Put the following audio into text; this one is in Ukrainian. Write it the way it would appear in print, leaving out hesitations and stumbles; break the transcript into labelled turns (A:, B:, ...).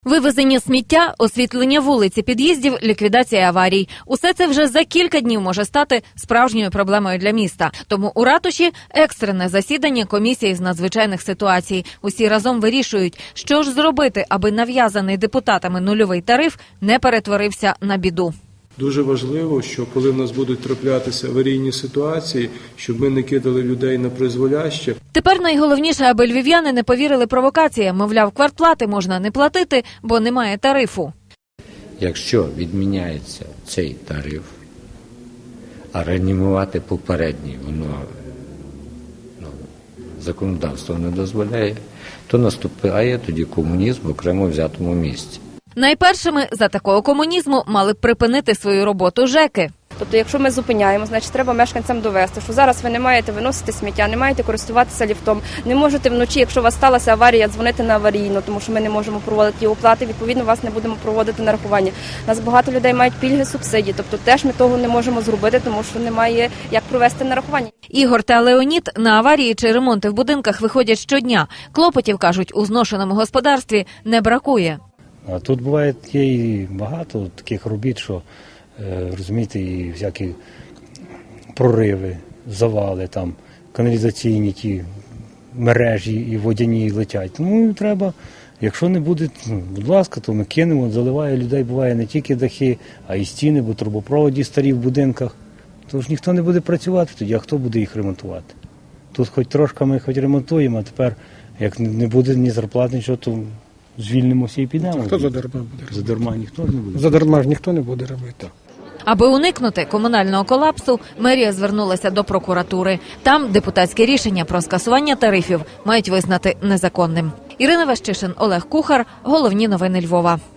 A: Вивезення сміття, освітлення вулиць і під'їздів, ліквідація аварій. Усе це вже за кілька днів може стати справжньою проблемою для міста. Тому у ратуші екстрене засідання комісії з надзвичайних ситуацій. Усі разом вирішують, що ж зробити, аби нав'язаний депутатами нульовий тариф не перетворився на біду.
B: Дуже важливо, що коли в нас будуть траплятися аварійні ситуації, щоб ми не кидали людей на призволяще.
A: Тепер найголовніше, аби львів'яни не повірили провокаціям. Мовляв, квартплати можна не платити, бо немає тарифу.
C: Якщо відміняється цей тариф, а реанімувати попередній воно законодавство не дозволяє, то наступає тоді комунізм в окремо взятому місці.
A: Найпершими за такого комунізму мали б припинити свою роботу ЖЕКи.
D: Тобто, якщо ми зупиняємо, значить треба мешканцям довести, що зараз ви не маєте виносити сміття, не маєте користуватися ліфтом, не можете вночі, якщо у вас сталася аварія, дзвонити на аварійну, тому що ми не можемо проводити оплати, відповідно, вас не будемо проводити нарахування. У нас багато людей мають пільги, субсидії, тобто теж ми того не можемо зробити, тому що немає як провести нарахування.
A: Ігор та Леонід на аварії чи ремонти в будинках виходять щодня. Клопотів, кажуть, у зношеному господарстві не бракує.
E: А тут буває і багато таких робіт, що, розумієте, і всякі прориви, завали, там, каналізаційні ті мережі і водяні летять. Тому треба, якщо не буде, будь ласка, то ми кинемо, заливає людей, буває не тільки дахи, а й стіни, бо трубопроводі старі в будинках. Тож ніхто не буде працювати тоді, а хто буде їх ремонтувати? Тут хоч трошки ми хоч ремонтуємо, а тепер, як не буде ні зарплат, нічого, то звільнимося і підемо.
F: Хто задарма буде робити?
E: Задарма ніхто не буде.
F: Задарма ж ніхто не буде робити.
A: Аби уникнути комунального колапсу, мерія звернулася до прокуратури. Там депутатське рішення про скасування тарифів мають визнати незаконним. Ірина Вещишин, Олег Кухар. Головні новини Львова.